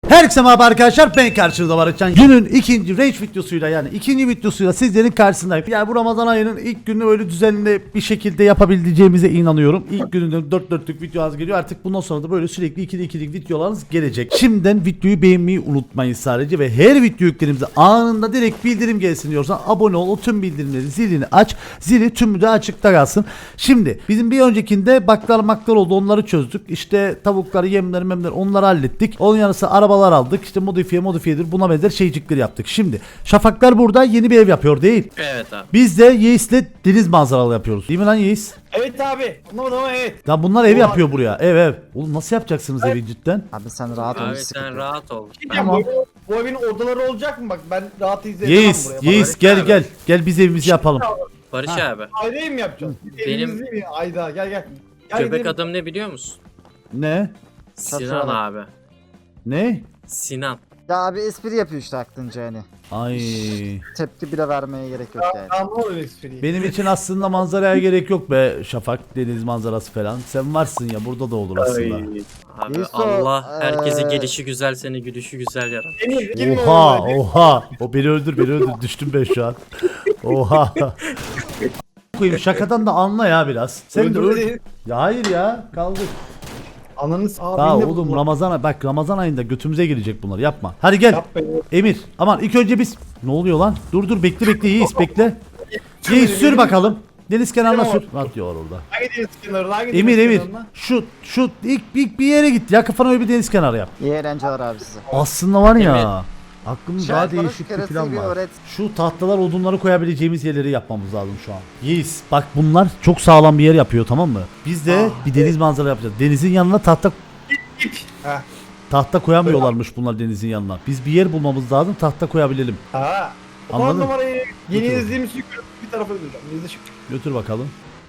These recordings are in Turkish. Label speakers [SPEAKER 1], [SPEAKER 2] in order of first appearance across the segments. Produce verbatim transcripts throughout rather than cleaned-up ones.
[SPEAKER 1] Herkese merhaba arkadaşlar, ben karşınızda Barışcan. Günün ikinci Rage videosuyla, yani ikinci videosuyla sizlerin karşısındayım. Yani bu Ramazan ayının ilk günü öyle düzenli bir şekilde yapabileceğimize inanıyorum. İlk gününden dört dörtlük videolarınız geliyor. Artık bundan sonra da böyle sürekli ikili ikilik videolarınız gelecek. Şimdiden videoyu beğenmeyi unutmayın sadece ve her video yüklerimize anında direkt bildirim gelsin diyorsan abone ol, o tüm bildirimleri zilini aç. Zili tümü de açıkta kalsın. Şimdi bizim bir öncekinde baklar maklar oldu, onları çözdük. İşte tavukları, yemleri, memleri onları hallettik. Onun yanı sıra arabalar aldık. İşte modifiye modifiyedir buna benzer şeycikleri yaptık. Şimdi Şafaklar burada yeni bir ev yapıyor değil.
[SPEAKER 2] Evet abi.
[SPEAKER 1] Biz de Yeis'le deniz manzaralı yapıyoruz. Değil mi lan Yeis?
[SPEAKER 3] Evet abi. Anlamadım ama evet.
[SPEAKER 1] Ya bunlar ev
[SPEAKER 3] Oha.
[SPEAKER 1] yapıyor buraya. Ev ev. Oğlum nasıl yapacaksınız evi cidden?
[SPEAKER 4] Abi sen rahat ol.
[SPEAKER 2] Abi
[SPEAKER 4] hiç sıkıntı
[SPEAKER 2] sen
[SPEAKER 4] yok.
[SPEAKER 2] rahat ol. Ben-
[SPEAKER 3] Tamam. Bu, bu evin odaları olacak mı bak, ben rahat izleyemem
[SPEAKER 1] Yeis,
[SPEAKER 3] buraya.
[SPEAKER 1] Yeis
[SPEAKER 2] Barış
[SPEAKER 1] gel
[SPEAKER 2] abi.
[SPEAKER 1] gel. Gel biz evimizi yapalım.
[SPEAKER 2] Barış
[SPEAKER 1] Ha.
[SPEAKER 2] abi.
[SPEAKER 3] Aileyi mi yapacağız?
[SPEAKER 2] Benim-
[SPEAKER 3] Evimizi mi? Ayda gel gel. Gel
[SPEAKER 2] Göbek
[SPEAKER 3] gidelim.
[SPEAKER 2] adım ne biliyor musun?
[SPEAKER 1] Ne?
[SPEAKER 2] Sinan
[SPEAKER 4] bak.
[SPEAKER 2] abi.
[SPEAKER 1] Ne?
[SPEAKER 2] Sinan.
[SPEAKER 4] Ya abi espri yapıyor işte aklınca hani.
[SPEAKER 1] Ay.
[SPEAKER 4] Tepki bile vermeye gerek yok yani.
[SPEAKER 3] Ben anlamadım espriyi.
[SPEAKER 1] Benim için aslında manzaraya gerek yok be Şafak, deniz manzarası falan. Sen varsın ya, burada da olur aslında.
[SPEAKER 2] Abi
[SPEAKER 4] Yusuf,
[SPEAKER 2] Allah herkese
[SPEAKER 4] eee,
[SPEAKER 2] gelişi güzel, seni gülüşü güzel yarat.
[SPEAKER 3] Emir, girme
[SPEAKER 1] Oha
[SPEAKER 3] oraya.
[SPEAKER 1] oha. O beni öldür beni öldür, düştüm ben şu an. Oha. Koyayım, şakadan da anla ya biraz. Sen de öl.
[SPEAKER 3] Öldürme.
[SPEAKER 1] Ya hayır ya, kaldık.
[SPEAKER 3] Ananı s- Aa,
[SPEAKER 1] Daha
[SPEAKER 3] beni de
[SPEAKER 1] oğlum
[SPEAKER 3] buldular.
[SPEAKER 1] Ramazan, bak Ramazan ayında götümüze girecek bunlar, yapma. Hadi gel.
[SPEAKER 3] Yap be.
[SPEAKER 1] Emir aman ilk önce biz, ne oluyor lan? Dur dur bekle bekle Yiğit bekle. Yiğit sür bakalım. Deniz kenarına sür. Rahat diyor orada.
[SPEAKER 3] Hangi deniz kenarına? Hangi
[SPEAKER 1] Emir
[SPEAKER 3] deniz
[SPEAKER 1] Emir
[SPEAKER 3] kenarına?
[SPEAKER 1] şu şu ilk, ilk bir yere git ya, kafana öyle bir deniz kenarı yap.
[SPEAKER 4] İyi eğlenceler abi size.
[SPEAKER 1] Aslında var ya,
[SPEAKER 2] Emir.
[SPEAKER 1] aklımda
[SPEAKER 4] Şey,
[SPEAKER 1] daha
[SPEAKER 4] bana
[SPEAKER 1] değişik
[SPEAKER 4] şu
[SPEAKER 1] bir
[SPEAKER 4] keresteyi
[SPEAKER 1] plan
[SPEAKER 4] bir
[SPEAKER 1] var.
[SPEAKER 4] öğret.
[SPEAKER 1] Şu tahtalar, odunları koyabileceğimiz yerleri yapmamız lazım şu an. Yiğit bak, bunlar çok sağlam bir yer yapıyor, tamam mı? Biz de bir deniz manzara yapacağız. Denizin yanına tahta
[SPEAKER 3] Heh.
[SPEAKER 1] tahta koyamıyorlarmış bunlar denizin yanına. Biz bir yer bulmamız lazım, tahta koyabilelim.
[SPEAKER 3] Ha.
[SPEAKER 1] Anladın?
[SPEAKER 3] Anladım. numarayı yeni
[SPEAKER 1] Götür.
[SPEAKER 3] izlediğimiz yukarı bir tarafa götüreceğim. Yüzde şu.
[SPEAKER 1] Götür bakalım.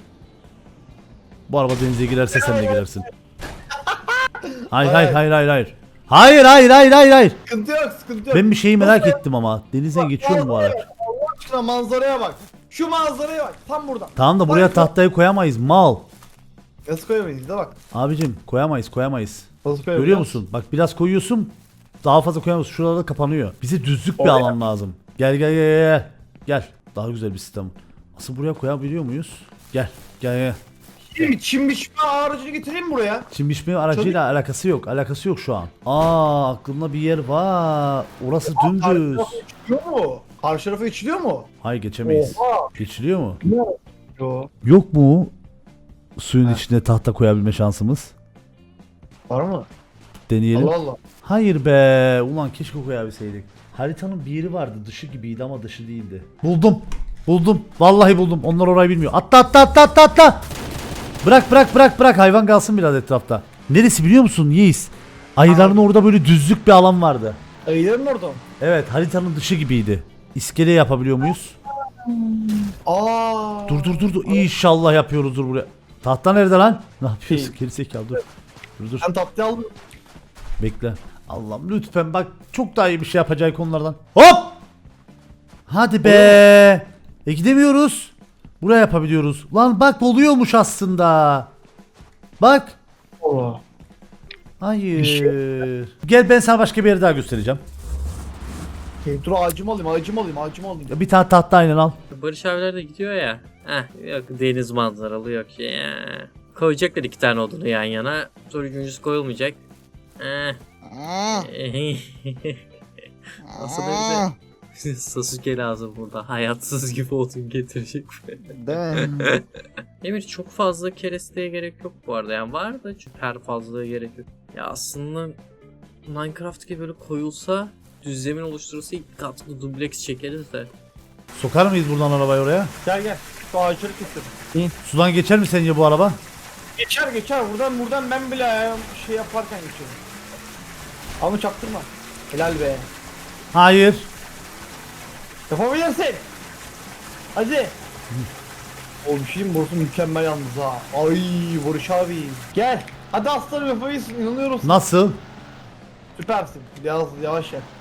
[SPEAKER 1] Bu araba denize girerse sen de girersin. Hayır hayır hayır hayır hayır. Hayır hayır hayır hayır hayır.
[SPEAKER 3] Sıkıntı yok, sıkıntı yok.
[SPEAKER 1] Ben bir şeyi merak
[SPEAKER 3] Nasıl?
[SPEAKER 1] ettim ama. Denize geçiyor mu bu araç?
[SPEAKER 3] Allah aşkına manzaraya bak. Şu manzaraya bak. Tam buradan.
[SPEAKER 1] Tamam da buraya
[SPEAKER 3] Bak,
[SPEAKER 1] tahtayı koyamayız mal.
[SPEAKER 3] Nasıl koyamayız da bak.
[SPEAKER 1] Abicim koyamayız koyamayız.
[SPEAKER 3] Nasıl koyamayız?
[SPEAKER 1] Görüyor musun? Bak biraz koyuyorsun. Daha fazla koyamıyorsun. Şuralarda kapanıyor. Bize düzlük bir
[SPEAKER 3] Oraya.
[SPEAKER 1] alan lazım. Gel gel gel gel. Gel. Daha güzel bir sistem. Asıl buraya koyabiliyor muyuz? Gel. Gel gel.
[SPEAKER 3] Çim, çim biçme aracını getireyim mi buraya?
[SPEAKER 1] Çim biçme aracıyla alakası yok. Alakası yok şu an. Aa, aklımda bir yer var. Orası dümdüz.
[SPEAKER 3] Karşı tarafa içiliyor mu? Karşı tarafa içiliyor mu?
[SPEAKER 1] Hayır geçemeyiz.
[SPEAKER 3] Oha.
[SPEAKER 1] Geçiliyor mu?
[SPEAKER 3] Yo.
[SPEAKER 1] Yok mu suyun
[SPEAKER 3] Ha.
[SPEAKER 1] içine tahta koyabilme şansımız?
[SPEAKER 3] Var mı?
[SPEAKER 1] Deneyelim.
[SPEAKER 3] Allah Allah.
[SPEAKER 1] Hayır be. Ulan keşke koyabilseydik. Haritanın bir yeri vardı. Dışı gibiydi ama dışı değildi. Buldum. Buldum. Vallahi buldum. Onlar orayı bilmiyor. Atla atla atla atla atla. Bırak bırak bırak bırak. Hayvan kalsın biraz etrafta. Neresi biliyor musun Yiğis? Ayıların orada böyle düzlük bir alan vardı.
[SPEAKER 3] Ayıların orada mı?
[SPEAKER 1] Evet, haritanın dışı gibiydi. İskele yapabiliyor muyuz?
[SPEAKER 3] Aa.
[SPEAKER 1] Dur dur dur dur. İnşallah yapıyoruzdur buraya. Tahta nerede lan? Ne yapıyorsun?
[SPEAKER 3] Şey-
[SPEAKER 1] Gerizekalı dur. Dur dur.
[SPEAKER 3] Ben tatlı aldım.
[SPEAKER 1] Bekle. Allah'ım lütfen bak, çok daha iyi bir şey yapacak konulardan. Hop! Hadi be. E gidemiyoruz. Buraya yapabiliyoruz. Lan bak, oluyormuş aslında. Bak.
[SPEAKER 3] Allah.
[SPEAKER 1] Hayır. Gel ben sana başka bir yer daha göstereceğim.
[SPEAKER 3] Okay, dur ağacımı alayım, ağacımı alayım, ağacımı alayım.
[SPEAKER 1] Ya bir tane tahta aynen al.
[SPEAKER 2] Barış abiler de gidiyor ya. Heh, yok deniz manzaralı yok ya. Koyacaklar iki tane odunu yan yana. Sonra üçüncüsü koyulmayacak. Eh. Nasıl da bize Sasuke lazım burada. Hayatsız gibi odun getirecek.
[SPEAKER 4] Değil mi?
[SPEAKER 2] Emir çok fazla keresteye gerek yok bu arada. Yani var da çok her fazla gerek yok. Ya aslında Minecraft gibi böyle koyulsa, düz zemin oluşturulsa ilk katlı dubleks çekeriz de.
[SPEAKER 1] Sokar mıyız buradan arabayı oraya?
[SPEAKER 3] Gel gel. Şu ağaçları keselim.
[SPEAKER 1] Sudan geçer mi sence bu araba?
[SPEAKER 3] Geçer geçer. Buradan buradan ben bile ayağım şey yaparken geçiyorum. Ama çaktırma. Helal be.
[SPEAKER 1] Hayır.
[SPEAKER 3] Yapabilirsin. Hadi. Oğlum şeyim burası mükemmel yalnız ha. Ay Barış abi. Gel. Hadi aslanım yapabilirsin. İnanıyoruz.
[SPEAKER 1] Nasıl?
[SPEAKER 3] Süpersin. Yavaş yavaş yap.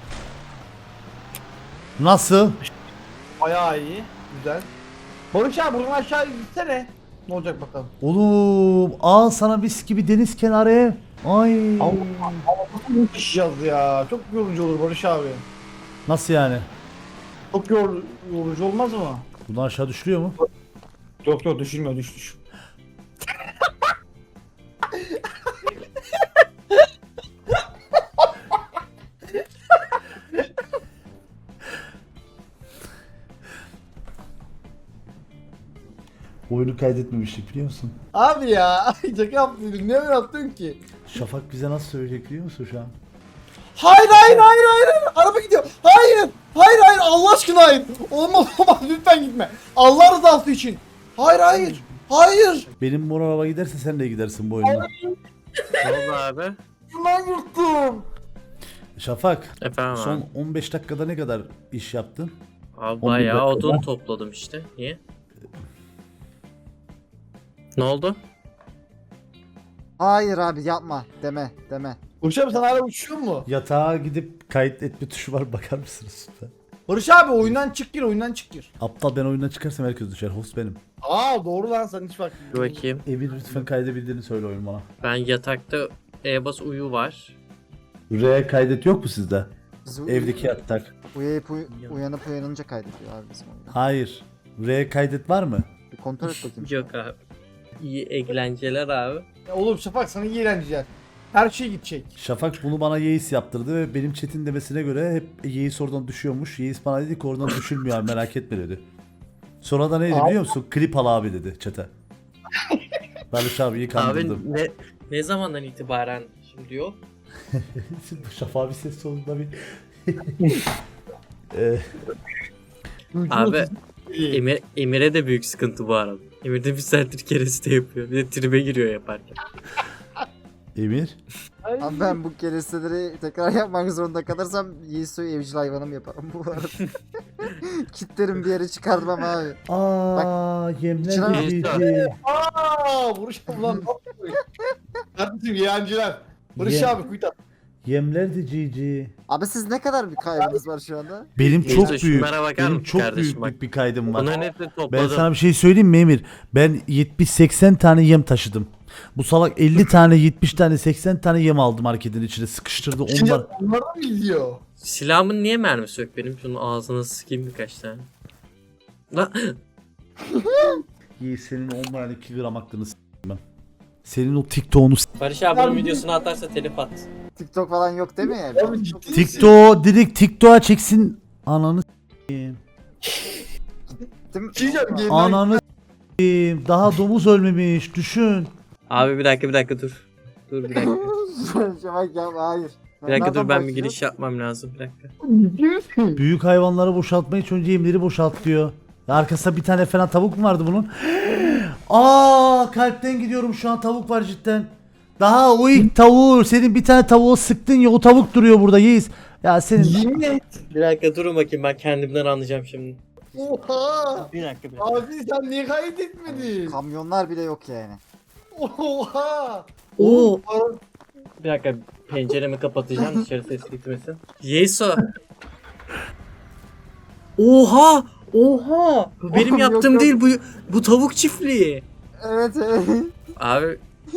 [SPEAKER 1] Nasıl?
[SPEAKER 3] Bayağı iyi. Güzel. Barış abi buradan aşağı gitsene. Ne olacak bakalım.
[SPEAKER 1] Oğlum al sana mis gibi deniz kenarı ev. Ay.
[SPEAKER 3] Allah Allah yaşayacağız ya. Çok yorucu olur Barış abi.
[SPEAKER 1] Nasıl yani?
[SPEAKER 3] Çok yor yorucu olmaz mı?
[SPEAKER 1] Bundan aşağı düşürüyor mu?
[SPEAKER 3] Yok yok düşünmüyor düş düş.
[SPEAKER 1] Oyunu kaydetmemiştik biliyor musun?
[SPEAKER 3] Abi ya şaka yaptın. Ne yaptın ki?
[SPEAKER 1] Şafak bize nasıl söyleyecek biliyor musun şu an?
[SPEAKER 3] Hayır hayır hayır hayır hayır. Araba gidiyor. Hayır. Hayır hayır Allah aşkına hayır. Olmaz olmaz lütfen gitme. Allah rızası için. Hayır hayır. Hayır.
[SPEAKER 1] Benim mor araba giderse sen de gidersin bu oyunda.
[SPEAKER 2] Ne oldu abi?
[SPEAKER 3] Ben yırttım.
[SPEAKER 1] Şafak,
[SPEAKER 2] Efendim
[SPEAKER 1] son
[SPEAKER 2] abi.
[SPEAKER 1] on beş dakikada ne kadar iş yaptın?
[SPEAKER 2] Abi
[SPEAKER 1] on bir
[SPEAKER 2] bayağı
[SPEAKER 1] dakika.
[SPEAKER 2] odun topladım işte. Niye? Ne oldu?
[SPEAKER 4] Hayır abi yapma deme deme.
[SPEAKER 3] Barış abi sen hala uçuyor mu?
[SPEAKER 1] Yatağa gidip kayıt etme tuşu var bakar mısınız lütfen?
[SPEAKER 3] Barış abi oyundan çık gir oyundan çık gir.
[SPEAKER 1] Aptal ben oyundan çıkarsam herkes düşer. Host benim.
[SPEAKER 3] Aa doğru lan sen hiç bak.
[SPEAKER 2] Bir bakayım.
[SPEAKER 1] Emir lütfen kaydedebildiğini söyle oyun bana.
[SPEAKER 2] Ben yatakta e-bas uyu var.
[SPEAKER 1] R kaydet yok mu sizde?
[SPEAKER 4] Biz
[SPEAKER 1] Evdeki yatak.
[SPEAKER 4] uyuyup uy- uyanıp uyanınca kaydediyor abi bizim oyunu.
[SPEAKER 1] Hayır. R kaydet var mı?
[SPEAKER 4] Bir kontrol et bakayım.
[SPEAKER 2] Yok abi. İyi eğlenceler abi.
[SPEAKER 3] Ya oğlum Şafak sana iyi eğlenceler. Her şey gidecek.
[SPEAKER 1] Şafak bunu bana Yeis yaptırdı ve benim chat'in demesine göre hep Yeis oradan düşüyormuş. Yeis bana dedi ki oradan düşülmüyor abi merak etme dedi. Sonra da neydi
[SPEAKER 3] Abi.
[SPEAKER 1] biliyor musun? Klip al abi dedi chat'e. Barış abiyi kandırdım.
[SPEAKER 2] Abi ne ne zamandan itibaren şimdi yok?
[SPEAKER 1] Şafak bir ses sonunda bir... Ee,
[SPEAKER 2] Abi Emir, Emir'e de büyük sıkıntı bu arada. Emir de bir saattir kereste yapıyor. Bir de tribe giriyor yaparken.
[SPEAKER 1] Emir.
[SPEAKER 4] Abi ben bu keresteleri tekrar yapmak zorunda kalırsam Yiğiso'yu evcil hayvanım yaparım bu arada. Kitlerim bir yere çıkartmam abi.
[SPEAKER 1] Aa yemler
[SPEAKER 4] Çınar-
[SPEAKER 1] cici.
[SPEAKER 3] Aaa Barış abi lan ne yapıyorsun? Kardeşim iyi eğlenceler. Barış
[SPEAKER 1] Ye-
[SPEAKER 3] abi kuyut at.
[SPEAKER 1] Yemler de cici.
[SPEAKER 4] Abi siz ne kadar bir kaybınız var şu anda?
[SPEAKER 1] Benim
[SPEAKER 2] Neyse,
[SPEAKER 1] çok büyük.
[SPEAKER 2] şunlara bakar
[SPEAKER 1] Benim
[SPEAKER 2] mısın
[SPEAKER 1] çok
[SPEAKER 2] kardeşim,
[SPEAKER 1] büyük
[SPEAKER 2] bak.
[SPEAKER 1] bir kaydım var.
[SPEAKER 2] Bunların hepsini
[SPEAKER 1] Ben
[SPEAKER 2] topladım.
[SPEAKER 1] sana bir şey söyleyeyim mi Emir? Ben yetmiş seksen tane yem taşıdım. Bu salak elli tane, yetmiş tane, seksen tane yem aldı marketin içine sıkıştırdı.
[SPEAKER 3] Şimdi
[SPEAKER 1] Onlar
[SPEAKER 3] onlar da mı gidiyor?
[SPEAKER 2] Silahımın niye mermisi yok benim? Şunun ağzına sıkayım birkaç tane. La
[SPEAKER 1] iyi senin olmayan iki gram aklını s**eyim ben. Senin o TikTok'unu s**eyim.
[SPEAKER 2] Barış abi bunun videosunu atarsa telif at.
[SPEAKER 4] TikTok falan yok değil mi yani?
[SPEAKER 3] Abi ciddi misin?
[SPEAKER 1] TikTok direkt TikTok'a çeksin. Ananı s**eyim.
[SPEAKER 4] Değil mi?
[SPEAKER 3] Bir şey diyeceğim, yeniden-
[SPEAKER 1] Ananı s**eyim. Daha domuz ölmemiş. Düşün.
[SPEAKER 2] Abi bir dakika bir dakika dur. Dur bir dakika.
[SPEAKER 4] Şafak ya hayır.
[SPEAKER 2] Bir dakika dur
[SPEAKER 4] Nereden
[SPEAKER 2] ben bir
[SPEAKER 4] başlıyor?
[SPEAKER 2] giriş yapmam lazım bir dakika.
[SPEAKER 3] Ciddi misin?
[SPEAKER 1] Büyük hayvanları boşaltmayı hiç önce yemleri boşalt diyor. Ya arkasında bir tane falan tavuk mu vardı bunun? Aa kalpten gidiyorum şu an tavuk var cidden. Daha o ilk tavuğu senin bir tane tavuğu sıktın ya o tavuk duruyor burada Yiğiz. Ya senin
[SPEAKER 3] Yemin et.
[SPEAKER 2] Bir dakika durun bakayım ben kendimden anlayacağım şimdi.
[SPEAKER 3] Oha.
[SPEAKER 2] Bir dakika bir dakika.
[SPEAKER 3] Abi sen niye kaydetmedin?
[SPEAKER 4] Kamyonlar bile yok yani.
[SPEAKER 3] Oha.
[SPEAKER 2] Oo.
[SPEAKER 3] Oğlum,
[SPEAKER 2] Bir dakika penceremi kapatacağım dışarı ses gitmesin. Yeso. Oha! Oha! Bu benim
[SPEAKER 4] Oğlum, yok,
[SPEAKER 2] yaptığım
[SPEAKER 4] yok.
[SPEAKER 2] değil bu bu tavuk çiftliği.
[SPEAKER 4] Evet evet.
[SPEAKER 2] Abi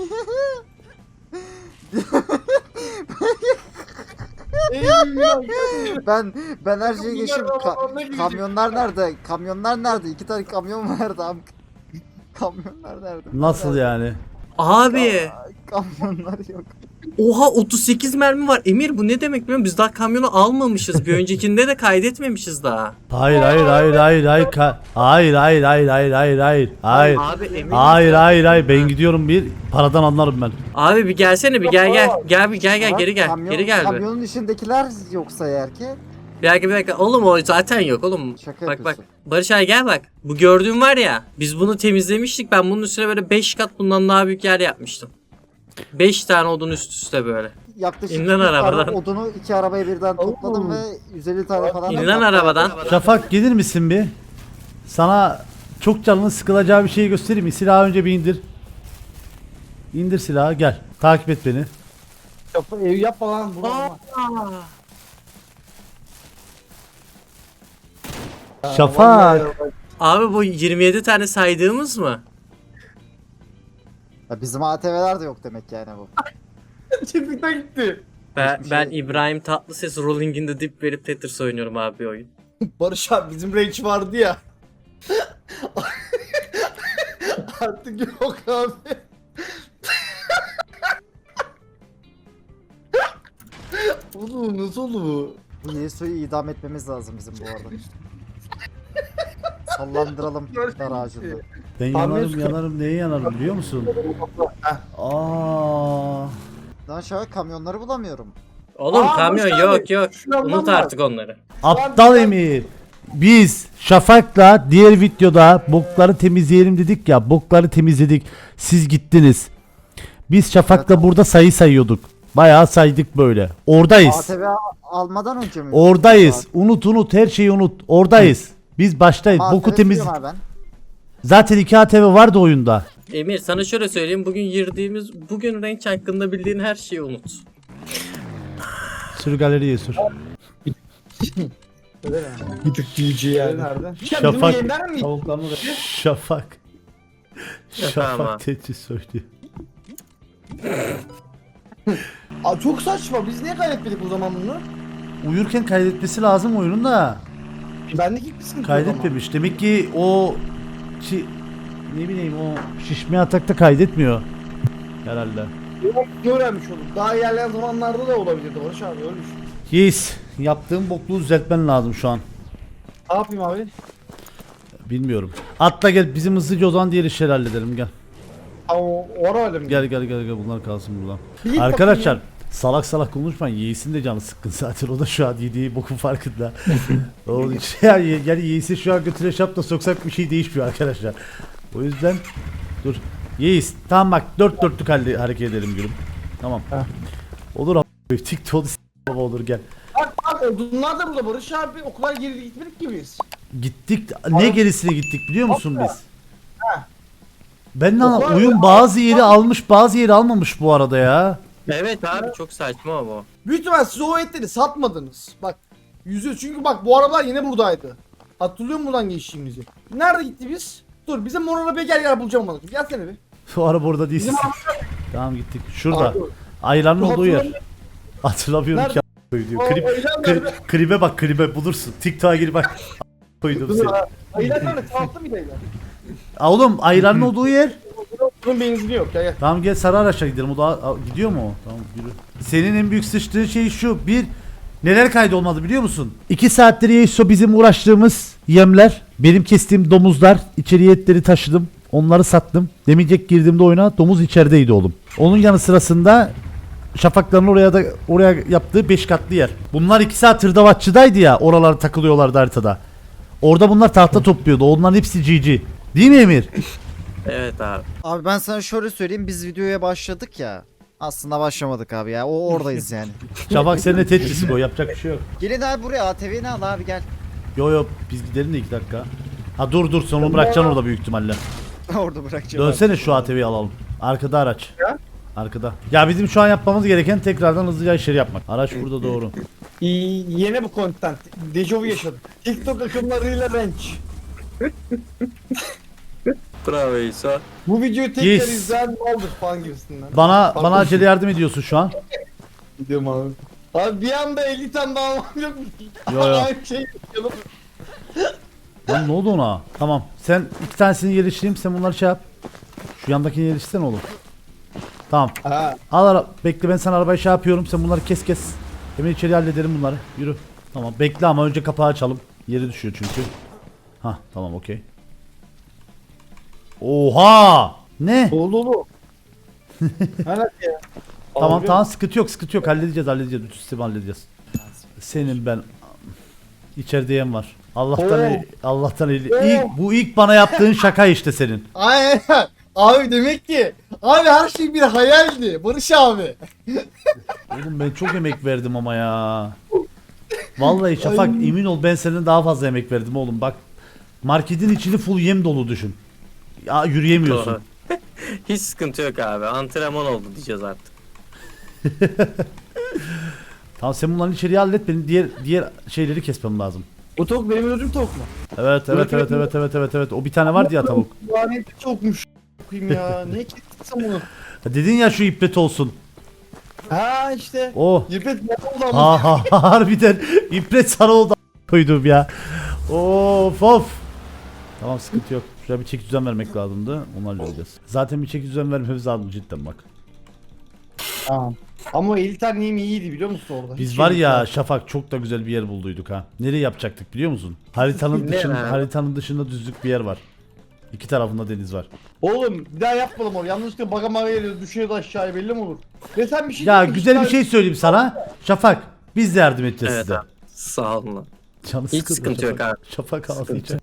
[SPEAKER 3] eyvah.
[SPEAKER 4] ben ben her şeyi geçeyim.
[SPEAKER 3] Kamyonlar
[SPEAKER 4] Ka-
[SPEAKER 3] arabalarına girecek.
[SPEAKER 4] kamyonlar nerede? Kamyonlar nerede? İki tane kamyon vardı abi. Kamyonlar nerede?
[SPEAKER 1] nasıl yani?
[SPEAKER 2] abi
[SPEAKER 4] Kamyonlar yok.
[SPEAKER 2] oha otuz sekiz mermi var. Emir bu ne demek biliyor musun? Biz daha kamyonu almamışız. Bir öncekinde de kaydetmemişiz daha.
[SPEAKER 1] Hayır hayır hayır hayır hayır ka- hayır hayır hayır hayır hayır hayır hayır
[SPEAKER 2] Abi Emir.
[SPEAKER 1] hayır hayır hayır ben gidiyorum bir paradan anlarım ben.
[SPEAKER 2] Abi bir gelsene bir gel gel. Gel bir gel gel
[SPEAKER 4] Bak,
[SPEAKER 2] geri gel.
[SPEAKER 4] kamyon-
[SPEAKER 2] Geri gel bir.
[SPEAKER 4] Kamyonun içindekiler yoksa eğer ki
[SPEAKER 2] Bir dakika bir dakika. Oğlum o zaten yok oğlum.
[SPEAKER 4] şaka
[SPEAKER 2] Bak bak.
[SPEAKER 4] yapıyorsun.
[SPEAKER 2] Barış abi gel bak. Bu gördüğün var ya. Biz bunu temizlemiştik. Ben bunun üstüne böyle beş kat bundan daha büyük yer yapmıştım. beş tane odun üst üste böyle.
[SPEAKER 4] Yaklaşık
[SPEAKER 2] İn lan
[SPEAKER 4] bir tane
[SPEAKER 2] arabadan.
[SPEAKER 4] odunu iki arabaya birden topladım ve yüz elli tane falan. da
[SPEAKER 2] İn lan
[SPEAKER 4] patladı.
[SPEAKER 2] arabadan.
[SPEAKER 1] Şafak gelir misin bir? Sana çok canının sıkılacağı bir şey göstereyim mi? Silahı önce bir indir. İndir silahı gel. Takip et beni.
[SPEAKER 3] Yap, ev yapma lan. Bu
[SPEAKER 1] Şafak.
[SPEAKER 2] Abi bu yirmi yedi tane saydığımız mı?
[SPEAKER 4] Ya bizim A T V'ler de yok demek yani bu.
[SPEAKER 3] Çıktıkta gitti.
[SPEAKER 2] Ben,
[SPEAKER 3] Hiçbir
[SPEAKER 2] ben
[SPEAKER 3] şey-
[SPEAKER 2] İbrahim Tatlıses Rolling in the Deep verip Tetris oynuyorum abi bir oyun.
[SPEAKER 3] Barış abi bizim range vardı ya. Artık yok abi. Oğlum nasıl oldu bu?
[SPEAKER 4] Bu Yesu'yu idam etmemiz lazım bizim bu arada. Sallandıralım dar ağacında.
[SPEAKER 1] Ben
[SPEAKER 3] Tam
[SPEAKER 1] yanarım
[SPEAKER 3] yüz-
[SPEAKER 1] yanarım neye yanarım biliyor musun? Aa.
[SPEAKER 4] Lan şu an kamyonları bulamıyorum.
[SPEAKER 2] Oğlum
[SPEAKER 3] Aa,
[SPEAKER 2] kamyon
[SPEAKER 3] Barış
[SPEAKER 2] yok
[SPEAKER 3] abi,
[SPEAKER 2] yok.
[SPEAKER 3] şunu
[SPEAKER 2] Unut
[SPEAKER 3] anlamam.
[SPEAKER 2] artık onları.
[SPEAKER 1] Aptal Emir. Biz Şafak'la diğer videoda bokları temizleyelim dedik ya. Bokları temizledik. Siz gittiniz. Biz Şafak'la burada sayı sayıyorduk. Bayağı saydık böyle. Oradayız.
[SPEAKER 4] A T V almadan önce mi?
[SPEAKER 1] Oradayız. Unut unut her şeyi unut. Oradayız. Biz baştayız.
[SPEAKER 4] A T V
[SPEAKER 1] Boku temiz.
[SPEAKER 4] siliyorum abi ben.
[SPEAKER 1] Zaten iki A T V vardı oyunda.
[SPEAKER 2] Emir sana şöyle söyleyeyim. Bugün girdiğimiz, bugün range hakkında bildiğin her şeyi unut.
[SPEAKER 1] Sür galeriye sür.
[SPEAKER 3] Bir tık G G yani. Nerede?
[SPEAKER 1] Şafak.
[SPEAKER 3] mi?
[SPEAKER 1] Tavuklarını da. Şafak.
[SPEAKER 2] Tamam.
[SPEAKER 1] Şafak teçhiz söylüyor.
[SPEAKER 3] Aa, çok saçma. Biz niye kaybetmedik o zaman bunu?
[SPEAKER 1] Uyurken kaydetmesi lazım oyunun da.
[SPEAKER 3] Bendeki ilk bir sıkıntı yok ama.
[SPEAKER 1] Kaydetmemiş. Demek ki o şi, ne bileyim o şişme atakta kaydetmiyor. Herhalde.
[SPEAKER 3] Öğrenmiş olduk. Daha ilerleyen zamanlarda da olabilirdi Barış abi öyle düşün.
[SPEAKER 1] Yes. Yaptığım bokluğu düzeltmen lazım şu an.
[SPEAKER 3] Ne yapayım abi?
[SPEAKER 1] Bilmiyorum. Atla gel bizim hızlıca o zaman diğer işleri halledelim gel.
[SPEAKER 3] Aa, o, o ara öyle mi?
[SPEAKER 1] Gel gel gel gel bunlar kalsın buradan.
[SPEAKER 3] Bir git
[SPEAKER 1] Arkadaşlar
[SPEAKER 3] bakayım
[SPEAKER 1] salak salak konuşmayın. Yeğis'in de canı sıkkın zaten. O da şu an yediği bokun farkında. Onun için yani, yani Yeğis'i şu an götüre şapta soksak bir şey değişmiyor arkadaşlar. O yüzden dur. Yeğis tamam bak dört dörtlük halde hareket edelim gülüm. Tamam.
[SPEAKER 3] Heh.
[SPEAKER 1] Olur abi. TikTok'u s- baba olur gel.
[SPEAKER 3] Bak bak odunlar da burada Barış abi o kadar geri gitmedik ki biz.
[SPEAKER 1] Gittik ne gerisine gittik biliyor musun biz?
[SPEAKER 3] Heh.
[SPEAKER 1] Ben de
[SPEAKER 3] O
[SPEAKER 1] anlam-
[SPEAKER 3] kadar-
[SPEAKER 1] oyun bazı yeri almış bazı yeri almamış bu arada ya.
[SPEAKER 2] Evet abi çok saçma ama o.
[SPEAKER 3] Büyük ihtimal siz o etleri satmadınız. Bak yüzü çünkü bak bu arabalar yine buradaydı. Hatırlıyor musun buradan geçtiğimizi? Nerede gitti biz? Dur bize mor arabayı gel gel bulacağım onu. Gelsene bir.
[SPEAKER 1] O araba orada değil.
[SPEAKER 3] Bizim
[SPEAKER 1] Tamam gittik. Şurada.
[SPEAKER 3] Abi,
[SPEAKER 1] Ayranın
[SPEAKER 3] bu
[SPEAKER 1] olduğu yer.
[SPEAKER 3] hatırlamıyorum.
[SPEAKER 1] Hatırlamıyorum
[SPEAKER 3] Nerede?
[SPEAKER 1] ki a- diyor.
[SPEAKER 3] O-
[SPEAKER 1] Klip,
[SPEAKER 3] o ayran
[SPEAKER 1] kli-
[SPEAKER 3] nerede?
[SPEAKER 1] klibe bak klibe bulursun. TikTok'a gir bak. A- koydum
[SPEAKER 3] Dur
[SPEAKER 1] seni.
[SPEAKER 3] ha. Ayran nerede? Sağlıklı mıydı ayran?
[SPEAKER 1] Aa, oğlum ayranın olduğu yer.
[SPEAKER 3] Bunun benzini yok. Gel gel.
[SPEAKER 1] Tamam gel sarı araçla gidelim. O da a- gidiyor mu o? Tamam yürü. Senin en büyük sıçtığın şey şu. Bir neler kaydolmadı biliyor musun? İki saattir Yeiso bizim uğraştığımız yemler. Benim kestiğim domuzlar. İçeriye etleri taşıdım. Onları sattım. Demeyecek girdiğimde oyuna domuz içerideydi oğlum. Onun yanı sırasında Şafakların oraya da oraya yaptığı beş katlı yer. Bunlar iki saat hırdavatçıdaydı ya. Oralar takılıyorlardı haritada. Orada bunlar tahta topluyordu. Onların hepsi G G. Değil mi Emir?
[SPEAKER 2] Evet abi.
[SPEAKER 4] Abi ben sana şöyle söyleyeyim, biz videoya başladık ya. Aslında başlamadık abi ya. O oradayız yani.
[SPEAKER 1] Şafak seninle Tetris'i o. Yapacak bir şey yok.
[SPEAKER 4] Gelin abi buraya, A T V'ni al abi gel.
[SPEAKER 1] Yo yo biz gidelim de iki dakika. Ha dur dur sen onu bırakacaksın orada büyük ihtimalle.
[SPEAKER 4] Orada bırakacağım.
[SPEAKER 1] Dönsene şu A T V'yi alalım. Arkada araç.
[SPEAKER 3] Ya?
[SPEAKER 1] Arkada. Ya bizim şu an yapmamız gereken tekrardan hızlıca işleri yapmak. Araç burada doğru.
[SPEAKER 3] İyi, yeni bu content. Dejavu yaşadım. TikTok akımlarıyla range.
[SPEAKER 2] Bravo İsa.
[SPEAKER 3] Bu videoyu tekrar
[SPEAKER 1] Yes.
[SPEAKER 3] izleyen maldır falan gibisinden.
[SPEAKER 1] Bana bana acele yardım ediyorsun şu an.
[SPEAKER 3] Gidiyorum abi. Abi bir anda elli tane daha almam yok mu?
[SPEAKER 1] Yo, yo.
[SPEAKER 3] Aynı şey yapalım.
[SPEAKER 1] Lan ne oldu ona? Tamam. Sen iki tanesini yerleştireyim. Sen bunları şey yap. Şu yandakini yerleştirsene oğlum. Tamam.
[SPEAKER 3] Ha.
[SPEAKER 1] Al ara. Bekle ben sana arabayı şey yapıyorum. Sen bunları kes kes. Hemen içeri hallederim bunları. Yürü. Tamam. Bekle ama önce kapağı açalım. Yeri düşüyor çünkü. Ha tamam okey. Oha! Ne?
[SPEAKER 3] Dolu dolu. Evet ya.
[SPEAKER 1] Tamam
[SPEAKER 3] Abi,
[SPEAKER 1] tamam sıkıntı yok sıkıntı yok halledeceğiz halledeceğiz bütün sistemi halledeceğiz. Senin ben içeride yem var. Allah'tan
[SPEAKER 3] Oo.
[SPEAKER 1] el- Allah'tan eli.
[SPEAKER 3] Oo.
[SPEAKER 1] İlk bu ilk bana yaptığın şaka işte senin.
[SPEAKER 3] Aynen. Abi demek ki abi her şey bir hayaldi Barış abi.
[SPEAKER 1] Oğlum ben çok emek verdim ama ya. Vallahi Şafak
[SPEAKER 3] Ay.
[SPEAKER 1] emin ol ben senin daha fazla emek verdim oğlum bak. Marketin içini full yem dolu düşün. Ya yürüyemiyorsun.
[SPEAKER 2] Hiç sıkıntı yok abi. Antrenman oldu diyeceğiz artık.
[SPEAKER 1] Tamam sen bunların içeriği hallet benim diğer diğer şeyleri kesmem lazım.
[SPEAKER 3] Bu tavuk benim öldüğüm tavuk mu?
[SPEAKER 1] Evet evet evet evet evet evet evet o bir tane vardı ya tavuk.
[SPEAKER 3] Lanetli tavukmuş. Bakayım ya. Niye kestin bunu?
[SPEAKER 1] Ya dedin ya şu iplet olsun.
[SPEAKER 3] Ha işte.
[SPEAKER 1] Oh.
[SPEAKER 3] İpret ne oldu ama?
[SPEAKER 1] Ha ha ha, harbiden İpret sana oldu a- koydum ya. Of of. Tamam, sıkıntı yok. Şuraya bir çeki düzen vermek lazımdı. Onu halledeceğiz. Zaten bir çeki düzen vermemiz lazım cidden bak.
[SPEAKER 3] Tamam. Ama Elitar neyim iyiydi biliyor musun orada?
[SPEAKER 1] Biz
[SPEAKER 3] Hiç
[SPEAKER 1] var
[SPEAKER 3] şey
[SPEAKER 1] ya
[SPEAKER 3] yok.
[SPEAKER 1] Şafak, çok da güzel bir yer bulduyduk ha. Nereye yapacaktık biliyor musun? Haritanın
[SPEAKER 2] Ne
[SPEAKER 1] dışında,
[SPEAKER 2] abi?
[SPEAKER 1] haritanın dışında düzlük bir yer var. İki tarafında deniz var.
[SPEAKER 3] Oğlum bir daha yapmadım orada. Yanlışlıkla baga maga geliyor, düşüyordu aşağıya, belli mi olur? Ve sen bir şey
[SPEAKER 1] Ya
[SPEAKER 3] diyeyim mi?
[SPEAKER 1] güzel bir
[SPEAKER 3] İşte-
[SPEAKER 1] şey söyleyeyim sana. Şafak, biz de yardım edeceğiz
[SPEAKER 2] Evet
[SPEAKER 1] size.
[SPEAKER 2] abi. Sağ olun lan.
[SPEAKER 1] Canı
[SPEAKER 2] Hiç
[SPEAKER 1] sıkıldı
[SPEAKER 2] sıkıntı yok
[SPEAKER 1] Şafak.
[SPEAKER 2] abi.
[SPEAKER 1] Şafak ağlayacak.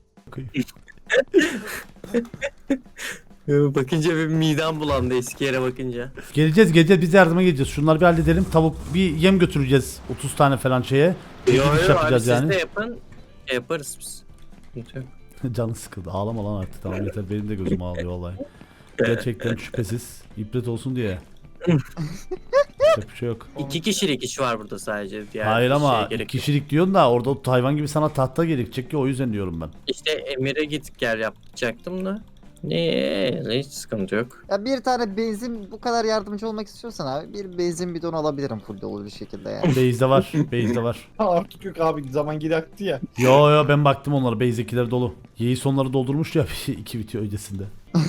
[SPEAKER 2] Bakınca bir midem bulandı eski yere bakınca.
[SPEAKER 1] Geleceğiz geleceğiz, biz de yardıma geleceğiz. Şunları bir halledelim. Tavuk bir yem götüreceğiz. otuz tane falan şeye. Bir
[SPEAKER 2] Yo
[SPEAKER 1] gidiş
[SPEAKER 2] yo abi
[SPEAKER 1] yapacağız
[SPEAKER 2] siz
[SPEAKER 1] yani.
[SPEAKER 2] de yapın. Şey yaparız biz. Sıkıntı yok.
[SPEAKER 1] Canı sıkıldı. Ağlama lan artık, tamam yeter. Benim de gözüm ağlıyor vallahi. Gerçekten şüphesiz. İbret olsun diye. Yapacak bir şey yok.
[SPEAKER 2] İki kişilik iş var burada sadece. Diğer
[SPEAKER 1] Hayır
[SPEAKER 2] bir
[SPEAKER 1] ama
[SPEAKER 2] şeye
[SPEAKER 1] iki
[SPEAKER 2] gerek yok.
[SPEAKER 1] kişilik diyorsun da orada o hayvan gibi sana tahta gerekecek ki, o yüzden diyorum ben.
[SPEAKER 2] İşte Emir'e git gel yapacaktım da. Ne hiç sıkıntı yok.
[SPEAKER 4] Ya bir tane benzin bu kadar yardımcı olmak istiyorsan abi bir benzin bidonu alabilirim full dolu bir şekilde yani.
[SPEAKER 1] Base'de var. Base'de var.
[SPEAKER 3] Ha, artık yok abi, zaman geri aktı ya.
[SPEAKER 1] Yo yo, ben baktım onlara. Base'dekiler dolu. Yeği sonları doldurmuş ya iki video öncesinde.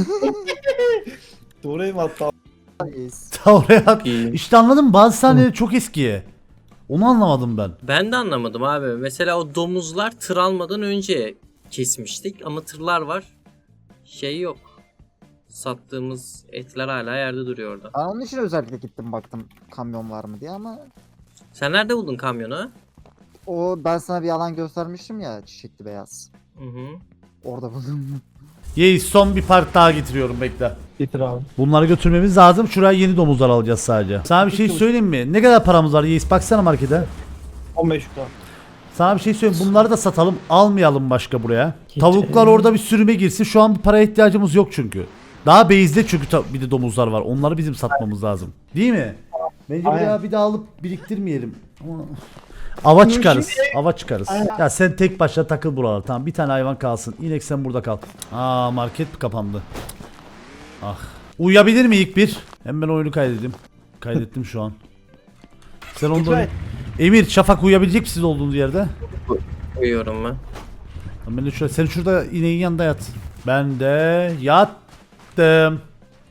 [SPEAKER 3] Doğru ev hatta.
[SPEAKER 4] Yes.
[SPEAKER 1] Ta oraya at.
[SPEAKER 2] İyi.
[SPEAKER 1] İşte anladım, bazı sahneleri çok eski. Onu anlamadım ben.
[SPEAKER 2] Ben de anlamadım abi. Mesela o domuzlar tır almadan önce kesmiştik ama tırlar var. Şey yok. Sattığımız etler hala yerde duruyor orada.
[SPEAKER 4] Ben onun için özellikle gittim baktım kamyon var mı diye ama
[SPEAKER 2] Sen nerede buldun kamyonu?
[SPEAKER 4] o ben sana bir alan göstermiştim ya çiçekli beyaz.
[SPEAKER 2] Hı hı.
[SPEAKER 4] Orada buldum.
[SPEAKER 1] Yeği son bir part daha getiriyorum, bekle.
[SPEAKER 3] Getir abi.
[SPEAKER 1] Bunları götürmemiz lazım. Şuraya yeni domuzlar alacağız sadece. Sana bir şey söyleyeyim mi? Ne kadar paramız var Yeğiz? Baksana markete.
[SPEAKER 3] on beş lira.
[SPEAKER 1] Sana bir şey söyleyeyim. Bunları da satalım. Almayalım başka buraya. Tavuklar orada bir sürüme girsin. Şu an bir paraya ihtiyacımız yok çünkü. Daha base'de çünkü ta- bir de domuzlar var. Onları bizim satmamız lazım. Değil mi? Bence
[SPEAKER 3] Aynen.
[SPEAKER 1] buraya bir daha alıp biriktirmeyelim. Ama- Ava çıkarız. Ava çıkarız. Ya sen tek başına takıl buralar. Tamam, bir tane hayvan kalsın. İnek sen burada kal. Aa, market mi kapandı? Ah. Uyuyabilir mi ilk bir? Hem ben oyunu kaydedeyim. Kaydettim şu an. Sen ondan...
[SPEAKER 3] Lütfen.
[SPEAKER 1] Emir, Şafak uyuyabilecek misiniz olduğunuz yerde?
[SPEAKER 2] Uyuyorum ben.
[SPEAKER 1] Tamam, ben de şurada, sen şurada ineğin yanında yat. Ben de yattım.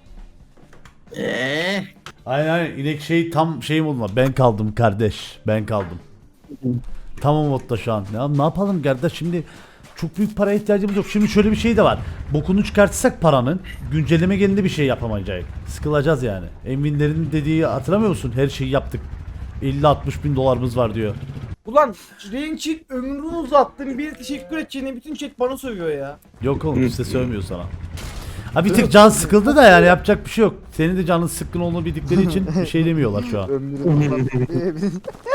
[SPEAKER 2] Eee?
[SPEAKER 1] Aynen aynen, inek şey tam şeyim olma. Ben kaldım kardeş. Ben kaldım. Tam o modda şu an. Ya ne yapalım kardeş, şimdi çok büyük paraya ihtiyacımız yok. Şimdi şöyle bir şey de var. Bokunu çıkartırsak paranın, güncelleme gelince bir şey yapamayacağız. Sıkılacağız yani. Envinlerin dediği hatırlamıyor musun? Her şeyi yaptık. elli altmış bin dolarımız var diyor.
[SPEAKER 3] Ulan Renç'in ömrünü uzattın, bir teşekkür edeceğine bütün chat bana sövüyor ya.
[SPEAKER 1] Yok oğlum, kimse sövmüyor sana. Ha bir tık can sıkıldı da yani yapacak bir şey yok. Senin de canın sıkkın olduğunu bildikleri için bir şey demiyorlar şu an.
[SPEAKER 4] Ömrüm